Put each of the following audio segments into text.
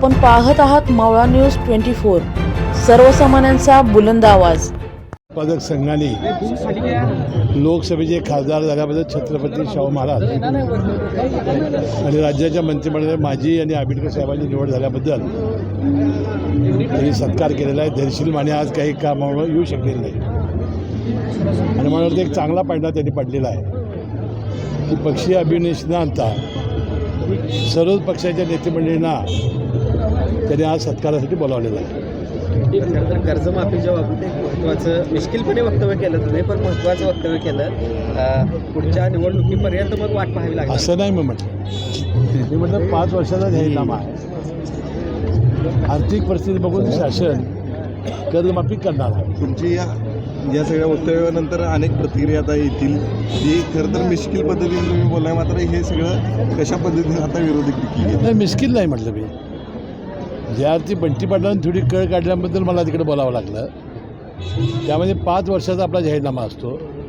आपण पाहत आहात मावळा न्यूज 24, सर्वसामान्यांचा बुलंद आवाज. उत्पादक संघाने लोकसभेचे खासदार झाल्याबद्दल छत्रपती शाहू महाराज आणि राज्याच्या मंत्रिमंडळात माझी आणि आंबेडकर साहेबांची निवड झाल्याबद्दल त्यांनी सत्कार केलेला आहे. धैर्यशील माने आज काही कामामुळे येऊ शकलेले नाही आणि मला वाटतं एक चांगला पायंडा त्यांनी पडलेला आहे की पक्षीय अभिनेश न आणता सर्वच पक्षाच्या नेतेमंडळींना त्यांनी आज सत्कारासाठी बोलावलेलं आहे. खरं तर कर्जमाफीच्या बाबतीत एक महत्त्वाचं मिश्किलपणे वक्तव्य केलं तुम्ही, पण महत्त्वाचं वक्तव्य केलं. पुढच्या निवडणुकीपर्यंत मग वाट पाहावी लागेल असं नाही मी म्हटलं 5 वर्षाचा जाहीरनामा आहे. आर्थिक परिस्थिती बघून शासन कर्जमाफी करणार आहे. तुमची या सगळ्या वक्तव्यानंतर अनेक प्रतिक्रिया आता येतील जी खरं तर मिश्किल पद्धतीने तुम्ही बोललाय, मात्र हे सगळं कशा पद्धतीने आता विरोधी केली नाही मिश्किल नाही म्हटलं मी. ज्यावरती बंटी पाटलांनी थोडी कळ काढल्याबद्दल मला तिकडे बोलावं लागलं. त्यामध्ये 5 वर्षाचा आपला जाहीरनामा असतो.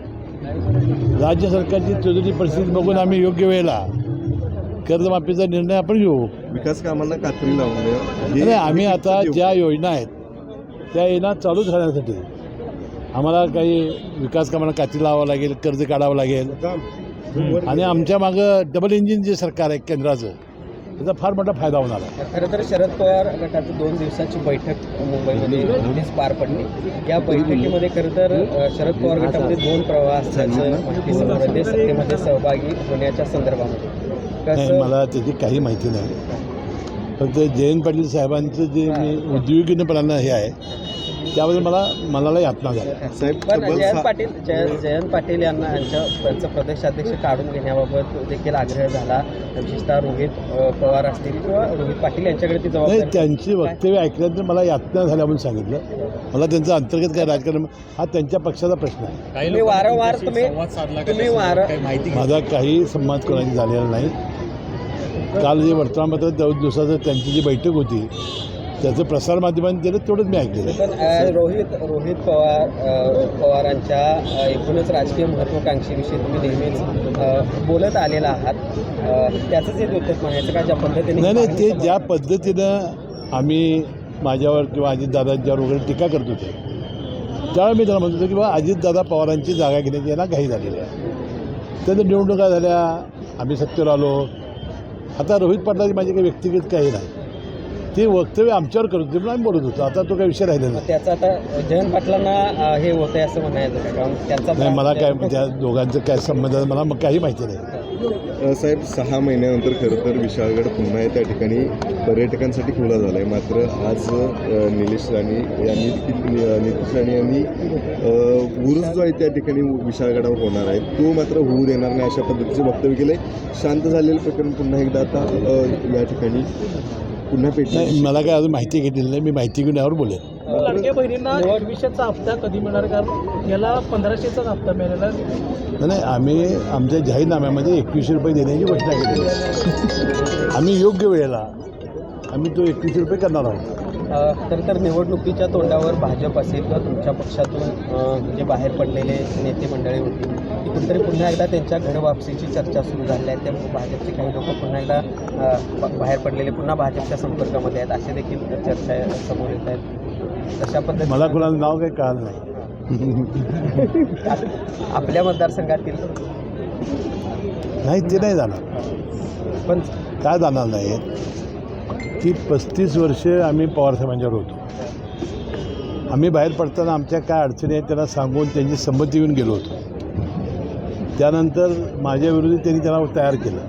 राज्य सरकारची तुझी परिस्थिती बघून आम्ही योग्य वेळेला कर्जमाफीचा निर्णय आपण घेऊ. विकास कामांना कात्री लावून नाही आम्ही आता ज्या योजना आहेत त्या योजना चालू झाल्यासाठी आम्हाला काही विकास कामांना कात्री लावावं लागेल, कर्ज काढावं लागेल आणि आमच्या मागं डबल इंजिन जे सरकार आहे केंद्राचं त्याचा फार मोठा फायदा होणार आहे. खरं तर शरद पवार गटाची 2 दिवसाची बैठक मुंबईमध्ये नुकतीच पार पडली. या बैठकीमध्ये खरं तर शरद पवार गटामध्ये 2 प्रवाह असल्याचं माहिती समोर येते. सत्तेमध्ये सहभागी होण्याच्या संदर्भामध्ये नाही मला त्याची काही माहिती नाही. फक्त जयंत पाटील साहेबांचं जे मी उद्योगीपणानं हे आहे त्याबद्दल मला यातना झाला. पण जयंत पाटील यांना त्यांचं प्रदेशाध्यक्ष काढून घेण्याबाबत देखील आग्रह झाला. विशेषतः रोहित पवार असतील किंवा रोहित पाटील यांच्याकडे ती नाही जबाबदारी. त्यांची वक्तव्य ऐकल्यानंतर मला यातना झाल्या म्हणून सांगितलं. मला त्यांचं अंतर्गत काय राजकारण हा त्यांच्या पक्षाचा प्रश्न आहे. तुम्ही वारंवार माझा काही संवाद कोणाची झालेला नाही. काल जे वर्तमानपत्रात 2 दिवसाचं त्यांची जी बैठक होती त्याचं प्रसारमाध्यमांनी दिलं तेवढंच मी ऐकलेलं आहे. पण रोहित पवारांच्या एकूणच राजकीय महत्त्वाकांक्षेविषयी तुम्ही नेहमीच बोलत आलेला आहात. त्याचंच एक उत्तर म्हणायचं का ज्या पद्धतीने नाही ते ज्या पद्धतीनं आम्ही माझ्यावर किंवा अजितदादांच्यावर वगैरे टीका करत होते त्यावेळी मी त्याला म्हणत होतो की बा अजितदादा पवारांची जागा घेण्याची यांना घाई झालेली आहे. त्यानंतर निवडणुका झाल्या, आम्ही सत्तेवर आलो. आता रोहित पाटलाची माझी काही व्यक्तिगत काही नाही. ते वक्तव्य आमच्यावर करत होते म्हणून आम्ही बोलत होतो. आता तो काही विषय राहिलेला नाही. त्याचं आता जयंत पाटलांना हे होतंय असं म्हणायचं का? कारण त्यांचा नाही मला काय त्या दोघांचं काय संबंध आहे मला मग काही माहिती नाही. साहेब 6 महिन्यानंतर खरं तर विशाळगड पुन्हा त्या ठिकाणी पर्यटकांसाठी खुला झाला आहे. मात्र आज निलेश राणे यांनी उरूस जो आहे त्या ठिकाणी विशाळगडावर होणार आहे तो मात्र होऊ देणार नाही अशा पद्धतीचं वक्तव्य केलं आहे. शांत झालेलं प्रकरण पुन्हा एकदा आता या ठिकाणी पुन्हा नाही मला काय अजून माहिती घेतलेली नाही. मी माहिती घेऊन यावर बोलेन. लाडक्या बहिणींना 2100चा हप्ता कधी मिळणार? कारण याला 1500चाच हप्ता मिळालेला. नाही आम्ही आमच्या जाहीरनाम्यामध्ये 2100 रुपये देण्याची घोषणा केलेली आहे. आम्ही योग्य वेळेला आम्ही तो 2100 रुपये करणार आहोत. तर निवडणुकीच्या तोंडावर भाजप असेल किंवा तुमच्या पक्षातून जे बाहेर पडलेले नेते मंडळी होती ती कुठेतरी पुन्हा एकदा त्यांच्या घर वापसीची चर्चा सुरू झाली आहे. त्यामुळे भाजपचे काही लोक पुन्हा एकदा बाहेर पडलेले पुन्हा भाजपच्या संपर्कामध्ये आहेत असे देखील चर्चा समोर येत आहेत. तशा पद्धतीने मला कुणाचं नाव काही कळलं नाही. आपल्या मतदारसंघातील नाही ते नाही जाणार. पण काय जाणार नाही की 35 वर्ष आम्ही पवारसाहेबांच्यावर होतो. आम्ही बाहेर पडताना आमच्या काय अडचणी आहेत त्यांना सांगून त्यांची संमती घेऊन गेलो होतो. त्यानंतर माझ्याविरोधी त्यांनी त्यांना तयार केलं.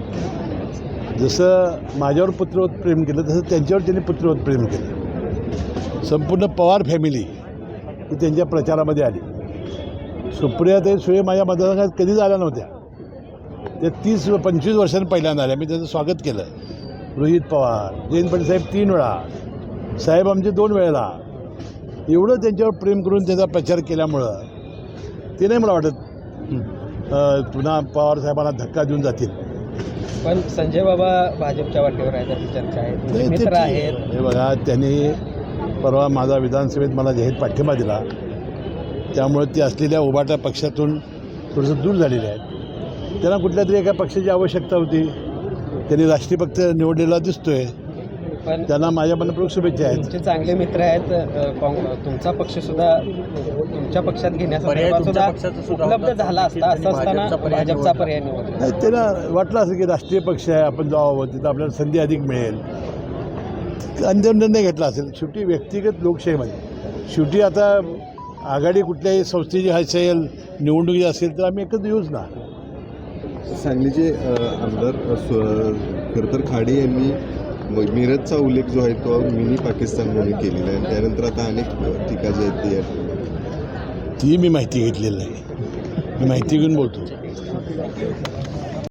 जसं माझ्यावर पुत्रवत प्रेम केलं तसं त्यांच्यावर त्यांनी पुत्रवत प्रेम केलं. संपूर्ण पवार फॅमिली ही त्यांच्या प्रचारामध्ये आली. सुप्रियाताई सुळे माझ्या मतदारसंघात कधीच आल्या नव्हत्या. त्या 30-25 वर्षांनी पहिल्यांदा आल्या. मी त्यांचं स्वागत केलं. रोहित पवार, जयंत पाटील साहेब 3 वेळा, साहेब आमचे 2 वेळेला. एवढं त्यांच्यावर प्रेम करून त्यांचा प्रचार केल्यामुळं ते नाही मला वाटत पुन्हा पवार साहेबांना धक्का देऊन जातील. पण संजय बाबा भाजपच्या वाटेवर आहेत अशी चर्चा आहे. मित्र आहेत. हे बघा त्यांनी परवा माझा विधानसभेत मला जाहीर पाठिंबा दिला. त्यामुळे ते असलेल्या उभाटा पक्षातून थोडंसं दूर झालेले आहेत. त्यांना कुठल्या तरी एका पक्षाची आवश्यकता होती. त्यांनी राष्ट्रीय पक्ष निवडलेला दिसतोय. पण त्यांना माझ्या मनपूर्वक शुभेच्छा आहेत. तुमचे चांगले मित्र आहेत. तुमचा पक्ष सुद्धा तुमच्या पक्षात घेण्याचा सुद्धा उपलब्ध झाला असता, असं असताना भाजपचा पर्याय निवडला. नाही, त्यांना वाटलं असं की राष्ट्रीय पक्ष आहे, आपण जावं, तिथं आपल्याला संधी अधिक मिळेल, अंतिम निर्णय घेतला असेल. शेवटी व्यक्तिगत लोकशाहीमध्ये शेवटी आता आघाडी कुठल्याही संस्थेची असेल, निवडणुकी असेल तर आम्ही एकत्र येऊच ना. सांगलीचे आमदार खरं तर खाडे यांनी मिरजचा उल्लेख जो आहे तो मिनी पाकिस्तान म्हणून केलेला आहे. त्यानंतर आता अनेक टीका जी आहेत ती मी माहिती घेतलेली नाही, मी माहिती घेऊन बोलतो.